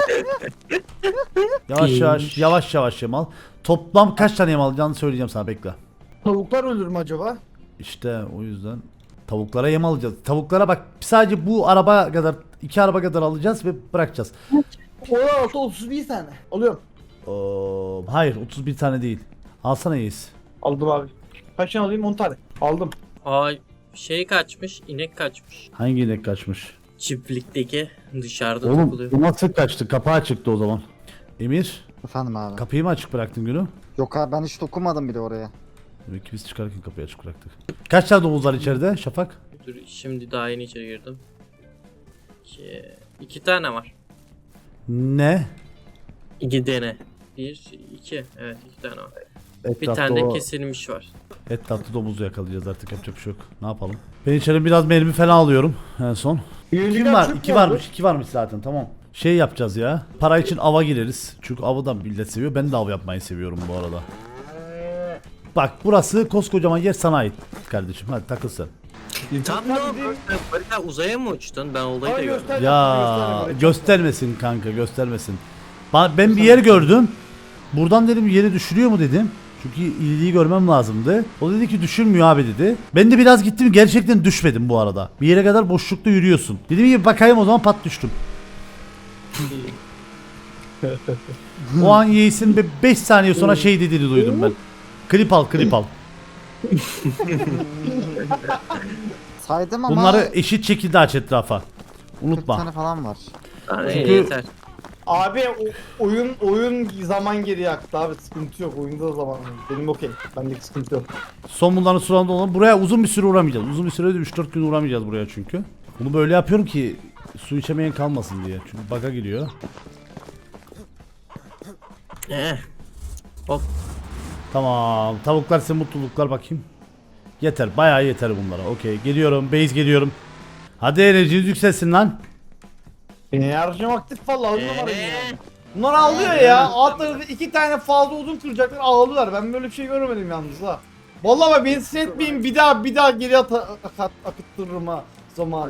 [SPEAKER 1] Yavaş yavaş yavaş yavaş yem al. Toplam kaç tane yem alacağını söyleyeceğim sana, bekle.
[SPEAKER 3] Tavuklar ölür mü acaba?
[SPEAKER 1] İşte o yüzden tavuklara yem alacağız. Tavuklara bak, sadece bu araba kadar, iki araba kadar alacağız ve bırakacağız.
[SPEAKER 3] on altı otuz bir tane. Alıyorum.
[SPEAKER 1] Oo, hayır, otuz bir tane değil. Alsana Yiğiz.
[SPEAKER 3] Aldım abi. Kaç tane alayım? on tane. Aldım.
[SPEAKER 2] Ay şey kaçmış, inek kaçmış.
[SPEAKER 1] Hangi inek kaçmış?
[SPEAKER 2] Çiftlikteki dışarıda
[SPEAKER 1] Oğlum
[SPEAKER 2] takılıyor.
[SPEAKER 1] bu nasıl kaçtı? Kapağı çıktı o zaman. Emir,
[SPEAKER 4] Efendim abi.
[SPEAKER 1] kapıyı mı açık bıraktın günü?
[SPEAKER 4] Yok abi ben hiç dokunmadım bile oraya.
[SPEAKER 1] Demek ki biz çıkarken kapıyı açık bıraktık. Kaç tane domuz var içeride Şafak?
[SPEAKER 2] Dur şimdi daha yeni içeri girdim. İki, iki tane var.
[SPEAKER 1] Ne?
[SPEAKER 2] İki tane. Bir, iki. Evet iki tane var. Bir
[SPEAKER 1] Etrafta
[SPEAKER 2] tane de
[SPEAKER 1] o-
[SPEAKER 2] kesilmiş var.
[SPEAKER 1] Etrafta domuzu yakalayacağız artık, yapacak bir şey yok. Ne yapalım? Ben içeri biraz mermi falan alıyorum en son. Kim var? İki varmış. iki varmış zaten, tamam. Şey yapacağız ya. Para için ava gireriz. Çünkü avı da millet seviyor. Ben de av yapmayı seviyorum bu arada. Bak burası koskocaman yer, sana ait kardeşim. Hadi takıl sen.
[SPEAKER 2] Tam ne oldu? Barika uzaya mı uçtun? Ben olayı da
[SPEAKER 3] Hayır,
[SPEAKER 2] gördüm.
[SPEAKER 3] göster.
[SPEAKER 1] Ya göstermesin kanka, göstermesin. Ba- Ben bir yer gördüm. Buradan dedim yeri düşürüyor mu dedim. Çünkü iyiliği görmem lazımdı. O dedi ki düşürmüyor abi dedi. Ben de biraz gittim, gerçekten düşmedim bu arada. Bir yere kadar boşlukta yürüyorsun. Dedim ki bakayım, o zaman pat düştüm. O an Yeğiz'in beş saniye sonra şey dediğini duydum ben. Klip al, klip al.
[SPEAKER 4] Saydım ama
[SPEAKER 1] Bunları eşit şekilde aç etrafa.
[SPEAKER 4] kırk
[SPEAKER 1] Unutma.
[SPEAKER 4] tane falan var.
[SPEAKER 2] Yani
[SPEAKER 1] Çünkü-
[SPEAKER 2] yeter.
[SPEAKER 3] Abi o- oyun oyun zaman geri yaktı abi, sıkıntı yok, oyunda da zaman var. Benim okey, bendeki sıkıntı yok.
[SPEAKER 1] Son bunların suranda olan buraya uzun bir süre uğramayacağız. Uzun bir süre de üç dört gün uğramayacağız buraya çünkü. Bunu böyle yapıyorum ki su içemeyen kalmasın diye. Çünkü bug'a giriyor.
[SPEAKER 2] Eh. Hop.
[SPEAKER 1] Tamam. Tavuklar size mutluluklar bakayım. Yeter. Bayağı yeter bunlara. Okey. Geliyorum. Base geliyorum. Hadi enerjiniz yükselsin lan.
[SPEAKER 3] Enerjim aktif valla, on numarayım yani. Bunlar ağlıyor ya. Alt tarafı iki tane fazla uzun kıracaklar, ağlıyorlar. Ben böyle bir şey görmedim yalnız ha. Vallahi bak beni sinir etmeyin, bir daha bir daha geri at ak akıttırırım ha zamanı.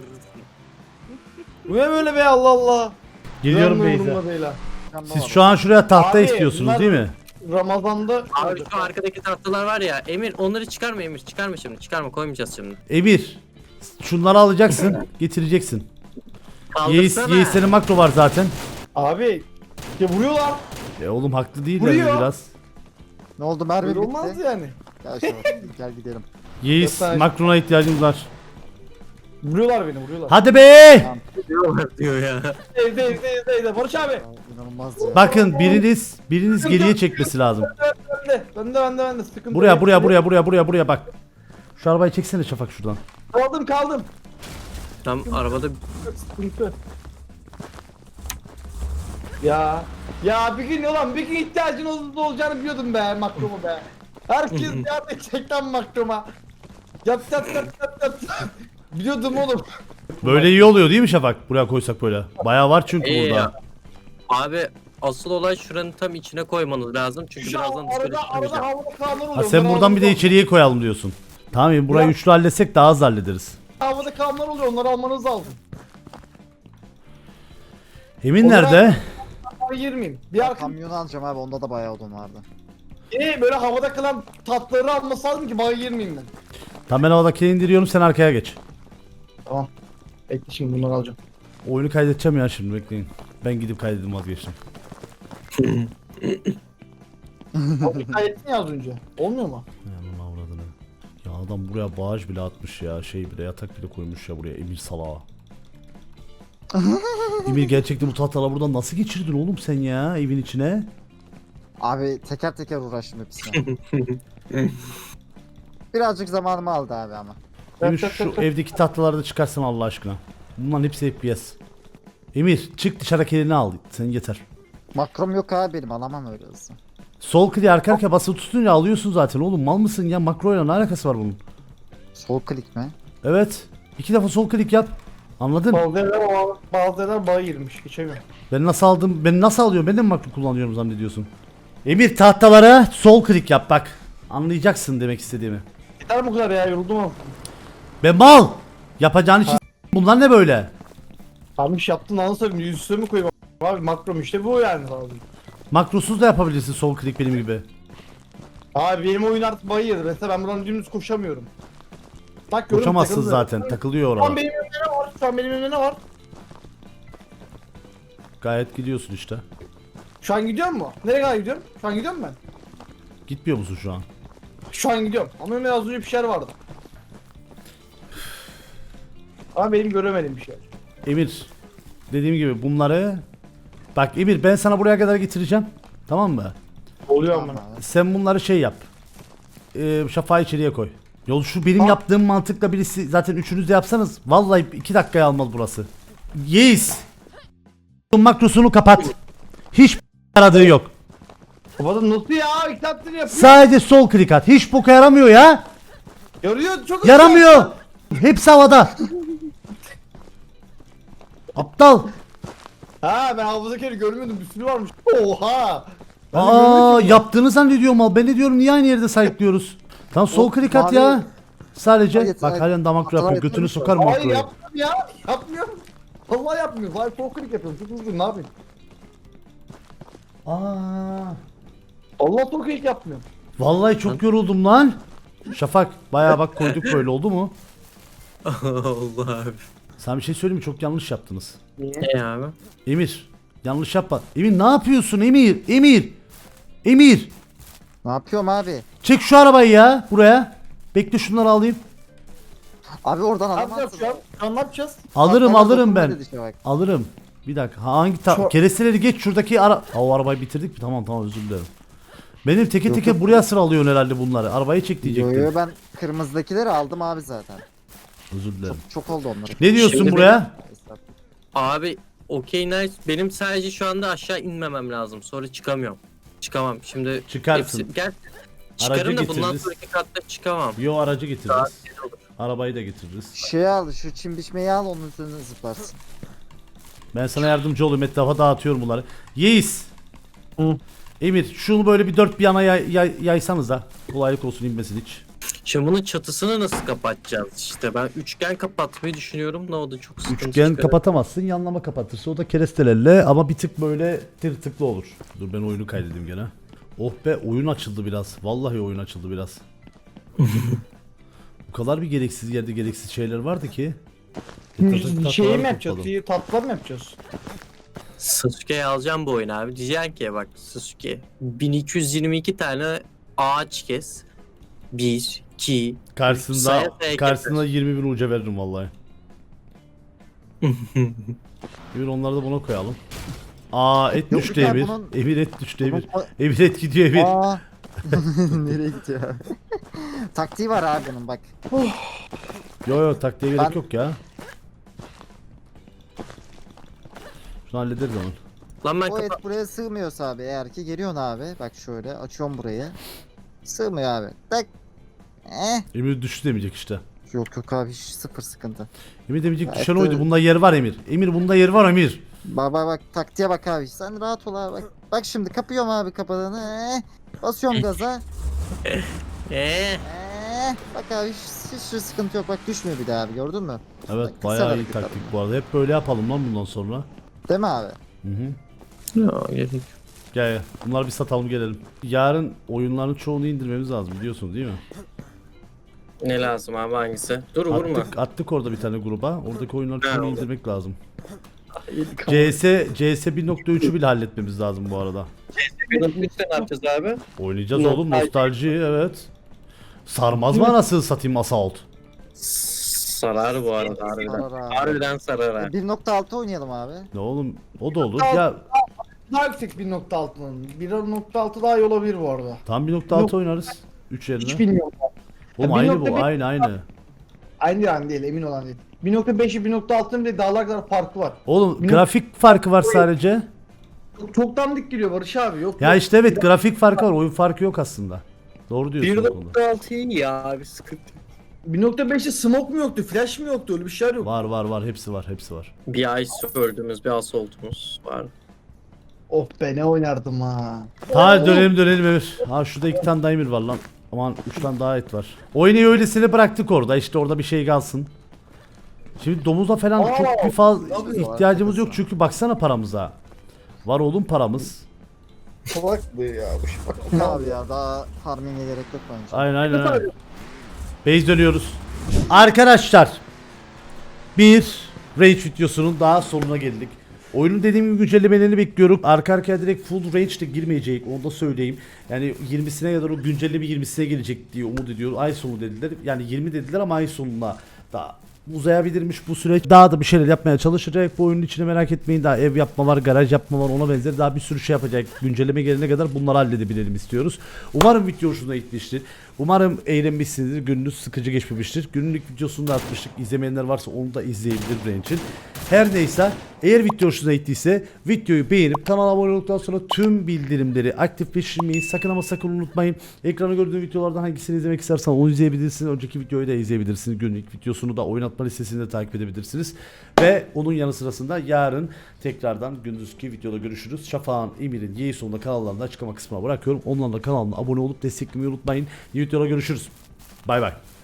[SPEAKER 3] Bu ne böyle be, Allah Allah.
[SPEAKER 1] Geliyorum
[SPEAKER 3] Görmüyorum
[SPEAKER 1] base'e.
[SPEAKER 3] umurumda değil ha.
[SPEAKER 1] Siz şu an şuraya tahta
[SPEAKER 3] Abi,
[SPEAKER 1] istiyorsunuz
[SPEAKER 3] bunlar-
[SPEAKER 1] değil mi?
[SPEAKER 3] Ramazan'da
[SPEAKER 2] Abi şu arkadaki tahtalar var ya, Emir onları çıkarma Emir, çıkarma şimdi, çıkarma, koymayacağız şimdi.
[SPEAKER 1] Emir. Şunları alacaksın. Getireceksin. Yeis,
[SPEAKER 2] Kaldırsana.
[SPEAKER 1] Yeis'lerin makro var zaten.
[SPEAKER 3] abi ya vuruyorlar.
[SPEAKER 1] E oğlum haklı değiller mi
[SPEAKER 3] Vuruyor.
[SPEAKER 1] biraz?
[SPEAKER 4] Ne oldu, mermi
[SPEAKER 3] Böyle
[SPEAKER 4] bitti.
[SPEAKER 3] olmaz yani.
[SPEAKER 4] Gel Şafak, gel gidelim.
[SPEAKER 1] Yeis
[SPEAKER 3] Yok, ben-
[SPEAKER 1] makrona ihtiyacımız var.
[SPEAKER 3] Vuruyorlar beni, vuruyorlar.
[SPEAKER 1] Hadi be!
[SPEAKER 2] Diyorlar diyor ya.
[SPEAKER 3] Evde evde evde evde. Barış abi.
[SPEAKER 4] Ya, İnanılmaz ya.
[SPEAKER 1] Bakın biriniz biriniz geriye çekmesi lazım.
[SPEAKER 3] Bende bende bende bende sıkıntı
[SPEAKER 1] Buraya
[SPEAKER 3] yok.
[SPEAKER 1] buraya buraya buraya buraya buraya bak. Şu arabayı çeksene Şafak şuradan.
[SPEAKER 3] Kaldım kaldım.
[SPEAKER 2] Tam arabada
[SPEAKER 3] Sıkıntı. Ya ya bir gün olan bir gün ihtiyacın ol- olacağını biliyordum be makroma be. Herkes yardım edecek lan makroma. Yap yap yap yap yap. Biliyordum oğlum.
[SPEAKER 1] Böyle iyi oluyor değil mi Şafak? Buraya koysak böyle. Bayağı var çünkü
[SPEAKER 2] İyi
[SPEAKER 1] burada.
[SPEAKER 2] ya. Abi asıl olay şuranın tam içine koymanız lazım çünkü
[SPEAKER 3] Şu
[SPEAKER 2] birazdan dışarı
[SPEAKER 3] arada arada
[SPEAKER 2] çıkamayacağım.
[SPEAKER 3] havada kalanlar oluyor.
[SPEAKER 1] Ha sen
[SPEAKER 3] onları
[SPEAKER 1] buradan bir de
[SPEAKER 3] almanız
[SPEAKER 1] içeriye koyalım diyorsun. Tamam ya burayı
[SPEAKER 3] Ya-
[SPEAKER 1] üçlü halletsek daha hızlı hallederiz.
[SPEAKER 3] lazım. Havada kalanlar oluyor, onları almanız lazım.
[SPEAKER 1] Emin
[SPEAKER 3] O zaman-
[SPEAKER 1] nerede?
[SPEAKER 3] Ben girmeyeyim. Bir arka
[SPEAKER 4] Kamyonu alacağım abi, onda da bayağı odun vardı.
[SPEAKER 3] Ee, böyle havada kalan tatları alması lazım ki bağa girmeyeyim ben.
[SPEAKER 1] Tamam ben havadakini indiriyorum sen arkaya geç.
[SPEAKER 3] Tamam. Bekle şimdi bunları alacağım.
[SPEAKER 1] Oyunu kaydedeceğim ya şimdi bekleyin. Ben gidip kaydedim vazgeçtim.
[SPEAKER 3] Abi kaydettin ya az önce. Olmuyor mu?
[SPEAKER 1] Yanına avradını. Ya adam buraya bağış bile atmış ya şey bile yatak bile koymuş ya buraya Emir salağa. Emir gerçekten bu tahtaları buradan nasıl geçirdin oğlum sen ya evin içine?
[SPEAKER 4] Abi teker teker uğraştım hepsine. Birazcık zamanımı aldı abi ama.
[SPEAKER 1] Emir
[SPEAKER 3] Tak, tak,
[SPEAKER 1] şu
[SPEAKER 3] tak, tak.
[SPEAKER 1] evdeki tahtaları da çıkarsın Allah aşkına. Bunların hepsi F P S. Emir çık dışarıdaki elini al. Sen yeter.
[SPEAKER 4] Makrom yok abi benim, alamam öyle hızlı.
[SPEAKER 1] Sol kliği arka arkaya basılı tutunca alıyorsun zaten oğlum. Mal mısın ya? Makroyla ne alakası var bunun?
[SPEAKER 4] Sol klik mi?
[SPEAKER 1] Evet. İki defa sol klik yap. Anladın?
[SPEAKER 3] Bazı yerler, bazı yerler bağa girmiş. Geçemiyorum.
[SPEAKER 1] Ben nasıl aldım? Ben nasıl alıyorum? Ben de mi makro kullanıyorum zannediyorsun? Emir tahtalara sol klik yap bak. Anlayacaksın demek istediğimi.
[SPEAKER 3] Yeter bu kadar ya, yoruldum ama.
[SPEAKER 1] Ben mal. Yapacağın işi s- bunlar ne böyle?
[SPEAKER 3] Tamam iş yaptın, nasıl söyleyeyim, yüz üstüne mi koyayım? Abi makrom işte bu yani abi.
[SPEAKER 1] Makrosuz da yapabilirsin sol klik benim gibi.
[SPEAKER 3] Abi benim oyun artık bağı yedi. Mesela ben buradan dümdüz koşamıyorum. Bak görüyorum,
[SPEAKER 1] Koşamazsın
[SPEAKER 3] takıldı.
[SPEAKER 1] zaten. Takılıyor
[SPEAKER 3] Şu an
[SPEAKER 1] orada.
[SPEAKER 3] benim önümde ne var? Şu an benim önümde ne var?
[SPEAKER 1] Gayet gidiyorsun işte.
[SPEAKER 3] Şu an gidiyor mu? Nereye kadar gidiyorum? Şu an gidiyorum ben.
[SPEAKER 1] Gitmiyor musun şu an?
[SPEAKER 3] Şu an gidiyorum. Ama önümde az önce bir şeyler vardı. Ama benim göremediğim bir şey.
[SPEAKER 1] Emir. Dediğim gibi bunları... Bak Emir ben sana buraya kadar getireceğim. Tamam mı?
[SPEAKER 3] Oluyor
[SPEAKER 4] Tamam
[SPEAKER 3] ama.
[SPEAKER 4] abi.
[SPEAKER 1] Sen bunları şey yap. Ee, şafağı içeriye koy. Yol şu benim
[SPEAKER 3] Tamam.
[SPEAKER 1] yaptığım mantıkla birisi zaten üçünüz de yapsanız vallahi iki dakikaya almaz burası. Yes. Makrosunu kapat. Hiç aradığı yok.
[SPEAKER 3] Kapadım nasıl ya? İki saattir yapıyor.
[SPEAKER 1] Sadece sol klik at. Hiç boka yaramıyor ya.
[SPEAKER 3] Yarıyor çok.
[SPEAKER 1] Yaramıyor. Hepsi havada. Aptal.
[SPEAKER 3] Ha ben havuzdakileri görmüyordum. Bir sürü varmış. Oha. Ben de
[SPEAKER 1] Aa
[SPEAKER 3] görmedim ki bunu.
[SPEAKER 1] yaptığını zannediyorum al. Ben de diyorum niye aynı yerde sayıklıyoruz. Tamam sol
[SPEAKER 4] O
[SPEAKER 1] klik at
[SPEAKER 4] mavi-
[SPEAKER 1] ya. Sadece
[SPEAKER 4] Hayır,
[SPEAKER 1] bak
[SPEAKER 4] hayır.
[SPEAKER 1] halen damak
[SPEAKER 4] Hatalar
[SPEAKER 1] yapıyor. Götünü
[SPEAKER 4] yapıyormuş
[SPEAKER 1] sokar mı
[SPEAKER 3] Hayır
[SPEAKER 1] makroyu?
[SPEAKER 3] yapmıyorum ya. Yapmıyorum. Vallahi yapmıyorum. Hayır sol klik yapıyorum. Çok hızlıyım, ne yapayım?
[SPEAKER 1] Aa.
[SPEAKER 3] Allah sol klik yapmıyorum.
[SPEAKER 1] Vallahi çok yoruldum lan. Şafak bayağı bak koyduk böyle oldu mu?
[SPEAKER 2] Allah abi.
[SPEAKER 1] Sana bir şey söyleyeyim mi? Çok yanlış yaptınız.
[SPEAKER 2] Ne abi?
[SPEAKER 1] Emir yanlış yapma. Emir ne yapıyorsun Emir? Emir. Emir.
[SPEAKER 4] Ne yapıyorum abi?
[SPEAKER 1] Çek şu arabayı ya buraya. Bekle şunları alayım.
[SPEAKER 4] Abi oradan
[SPEAKER 3] Ne yapacağız
[SPEAKER 4] alamazsın.
[SPEAKER 3] şu an? Şu an ne yapacağız?
[SPEAKER 1] Alırım
[SPEAKER 4] Bak,
[SPEAKER 1] alırım
[SPEAKER 4] dokunma
[SPEAKER 1] ben.
[SPEAKER 4] dedi işte bak.
[SPEAKER 1] Alırım. Bir dakika. Hangi ta
[SPEAKER 3] Şu-
[SPEAKER 1] keresteleri geç şuradaki ara... Aa, o arabayı bitirdik mi? Tamam tamam özür dilerim. Benim teke
[SPEAKER 4] Yok,
[SPEAKER 1] teke
[SPEAKER 4] yok.
[SPEAKER 1] buraya sıralıyorsun herhalde bunları. Arabayı çek
[SPEAKER 4] Yo
[SPEAKER 1] diyecektim.
[SPEAKER 4] yo ben kırmızıdakileri aldım abi zaten.
[SPEAKER 1] Özür dilerim.
[SPEAKER 4] Çok oldu onları.
[SPEAKER 1] Ne diyorsun
[SPEAKER 2] Şimdi
[SPEAKER 1] buraya?
[SPEAKER 2] Abi okey nice. Benim sadece şu anda aşağı inmemem lazım. Sonra çıkamıyorum. Çıkamam. Şimdi
[SPEAKER 1] Çıkarsın.
[SPEAKER 2] hepsi- gel. Çıkarım da bundan
[SPEAKER 1] getiririz.
[SPEAKER 2] sonraki katta çıkamam.
[SPEAKER 1] Yo aracı getiririz.
[SPEAKER 2] Daha güzel olur.
[SPEAKER 1] Arabayı da getiririz.
[SPEAKER 4] Şey al şu çim biçmeyi al onun üstüne zıplarsın.
[SPEAKER 1] Ben sana yardımcı olayım. Etrafa dağıtıyorum bunları. Yeis.
[SPEAKER 3] Hı.
[SPEAKER 1] Emir şunu böyle bir dört bir yana yay, yay, yaysanız da kolaylık olsun inmesin hiç.
[SPEAKER 2] Şimdi bunun çatısını nasıl kapatacağız? İşte ben üçgen kapatmayı düşünüyorum da o da çok sıkıntı
[SPEAKER 1] Üçgen
[SPEAKER 2] çıkarır.
[SPEAKER 1] kapatamazsın, yanlama kapatırsa o da kerestelerle ama bir tık böyle tırtıklı olur. Dur ben oyunu kaydedeyim gene. Oh be oyun açıldı biraz. Vallahi oyun açıldı biraz. Bu kadar bir gereksiz yerde gereksiz şeyler vardı ki. Tık
[SPEAKER 3] Şeyi
[SPEAKER 1] tatlıları
[SPEAKER 3] mi yapacağız?
[SPEAKER 1] topladım.
[SPEAKER 3] İyi tatlılar mı yapacağız?
[SPEAKER 2] Sasuke'yi alacağım bu oyunu abi. Diyeceksin ki bak Sasuke bin iki yüz yirmi iki tane ağaç kes. bir, iki,
[SPEAKER 1] Karşısında
[SPEAKER 2] Saya saya
[SPEAKER 1] karşısında yirmi bin uca veririm vallahi. Emir onları da buna koyalım. Aa et
[SPEAKER 4] Yok
[SPEAKER 1] düştü
[SPEAKER 4] ya,
[SPEAKER 1] Emir.
[SPEAKER 4] bunun-
[SPEAKER 1] Emir et düştü Emir.
[SPEAKER 4] Bunun-
[SPEAKER 1] Emir et gidiyor Emir.
[SPEAKER 4] Aa. Nereye gidiyor abi? Taktiği var abi bunun bak.
[SPEAKER 1] Yo yo taktiğe gerek
[SPEAKER 4] Ben-
[SPEAKER 1] yok ya. Şunu hallederiz onu.
[SPEAKER 2] Lan ben
[SPEAKER 4] O et
[SPEAKER 2] kapa-
[SPEAKER 4] buraya sığmıyorsa abi eğer ki geliyorsun abi. Bak şöyle açıyorum burayı. Sığmıyor abi. Tak. Eh.
[SPEAKER 1] Emir düştü demeyecek işte.
[SPEAKER 4] Yok yok abi hiç sıfır sıkıntı.
[SPEAKER 1] Emir demeyecek
[SPEAKER 4] Gayet
[SPEAKER 1] düşen
[SPEAKER 4] de-
[SPEAKER 1] oydu. Bunda yer var Emir. Emir bunda yer var Emir.
[SPEAKER 4] Bak bak bak taktiğe bak abi. Sen rahat ol abi. Bak, bak şimdi kapıyorum abi kapağını. Eh. Basıyorum gaza.
[SPEAKER 2] Eee.
[SPEAKER 4] Eh. Bak abi hiç, hiç sıkıntı yok. Bak düşmüyor bir daha abi gördün mü?
[SPEAKER 1] Evet
[SPEAKER 4] Kısa
[SPEAKER 1] bayağı iyi
[SPEAKER 4] hareket
[SPEAKER 1] taktik
[SPEAKER 4] abi.
[SPEAKER 1] bu arada. Hep böyle yapalım lan bundan sonra.
[SPEAKER 4] Değil mi abi?
[SPEAKER 1] Hı hı.
[SPEAKER 2] Ya, gerek yok.
[SPEAKER 1] Gel gel. Bunları bir satalım gelelim. Yarın oyunların çoğunu indirmemiz lazım biliyorsun değil mi?
[SPEAKER 2] Ne lazım abi hangisi? Dur vurma.
[SPEAKER 1] Attık, attık orada bir tane gruba. Oradaki oyunların
[SPEAKER 2] Ha,
[SPEAKER 1] çoğunu
[SPEAKER 2] oldu.
[SPEAKER 1] indirmek lazım. C S C S bir nokta üçü bile halletmemiz lazım bu arada.
[SPEAKER 2] Lütfen ne yapacağız abi?
[SPEAKER 1] Oynayacağız oğlum
[SPEAKER 2] Nostalji.
[SPEAKER 1] nostalji evet. Sarmaz mı anasını satayım Assault?
[SPEAKER 2] Sarar bu arada harbiden.
[SPEAKER 4] Sarar abi.
[SPEAKER 2] Harbiden sarar ha.
[SPEAKER 4] bir nokta altı oynayalım abi.
[SPEAKER 1] Ne oğlum o da olur. Ya
[SPEAKER 3] Daha yüksek bir nokta altının. bir nokta altı daha iyi olabilir bu arada.
[SPEAKER 1] tam bir nokta altı
[SPEAKER 3] Yok.
[SPEAKER 1] oynarız. üç yerine.
[SPEAKER 3] Hiç bilmiyorum.
[SPEAKER 1] Oğlum
[SPEAKER 3] Ya bir
[SPEAKER 1] aynı
[SPEAKER 3] nokta
[SPEAKER 1] bu
[SPEAKER 3] beş-
[SPEAKER 1] aynı aynı.
[SPEAKER 3] Aynı yani değil emin olan değil. bir nokta beş ile bir nokta altının bile dağlar kadar farkı var.
[SPEAKER 1] Oğlum
[SPEAKER 3] Bir
[SPEAKER 1] grafik farkı var sadece.
[SPEAKER 3] Çok, çok dandik geliyor Barış abi yok.
[SPEAKER 1] Ya
[SPEAKER 3] yok.
[SPEAKER 1] işte evet grafik farkı var oyun farkı yok aslında. Doğru diyorsun o konuda.
[SPEAKER 2] bir nokta altı iyi ya abi sıkıntı.
[SPEAKER 3] bir nokta beşte smoke mu yoktu, flash mı yoktu öyle bir şeyler yok.
[SPEAKER 1] Var var var hepsi var hepsi var.
[SPEAKER 2] Bir ay öldüğümüz bir assaultumuz var.
[SPEAKER 3] Oh be ne oynardım ha.
[SPEAKER 1] Hadi dönelim dönelim Emir. Ha şurada iki tane daha Emir var lan. Aman üç tane daha et var. Oyunu öylesine bıraktık orada işte orada bir şey kalsın. Şimdi domuza falan
[SPEAKER 3] Aa,
[SPEAKER 1] çok bir fazla
[SPEAKER 3] tabii.
[SPEAKER 1] ihtiyacımız yok çünkü baksana paramıza. Var oğlum paramız.
[SPEAKER 3] Salak bu ya bu şey bak.
[SPEAKER 4] Ne abi ya daha farming'e gerek yok bence.
[SPEAKER 1] Aynen aynen aynen. Base dönüyoruz. Arkadaşlar bir Rage videosunun daha sonuna geldik. Oyunun dediğim gibi güncellemelerini bekliyorum. Arka arkaya direkt full range de girmeyecek onu da söyleyeyim. Yani yirmisine kadar o güncelleme yirmisine gelecek diye umut ediyorum. Ay sonu dediler. Yani yirmi dediler ama ay sonuna daha uzayabilirmiş bu süreç. Daha da bir şeyler yapmaya çalışacak. Bu oyunun içine merak etmeyin. Daha ev yapma var, garaj yapma var, ona benzer daha bir sürü şey yapacak. Güncelleme gelene kadar bunları halledebilelim istiyoruz. Umarım video hoşuna gitmiştir. Umarım eğlenmişsinizdir. Gününüz sıkıcı geçmemiştir. Günlük videosunu da atmıştık. İzlemeyenler varsa onu da izleyebilir benim için. Her neyse eğer video hoşuna gittiyse videoyu beğenip kanala abone olduktan sonra tüm bildirimleri aktifleştirmeyi sakın ama sakın unutmayın. Ekranda gördüğünüz videolardan hangisini izlemek istersen onu izleyebilirsiniz. Önceki videoyu da izleyebilirsiniz. Günlük videosunu da oynatma listesini de takip edebilirsiniz. Ve onun yanı sırasında yarın tekrardan gündüzki videoda görüşürüz. Şafak'ın, Emir'in, Yeğizon'un da kanallarını açıklama kısmına bırakıyorum. Onlarla kanalına abone olup desteklemeyi unutmayın. Yeni videoda görüşürüz. Bay bay.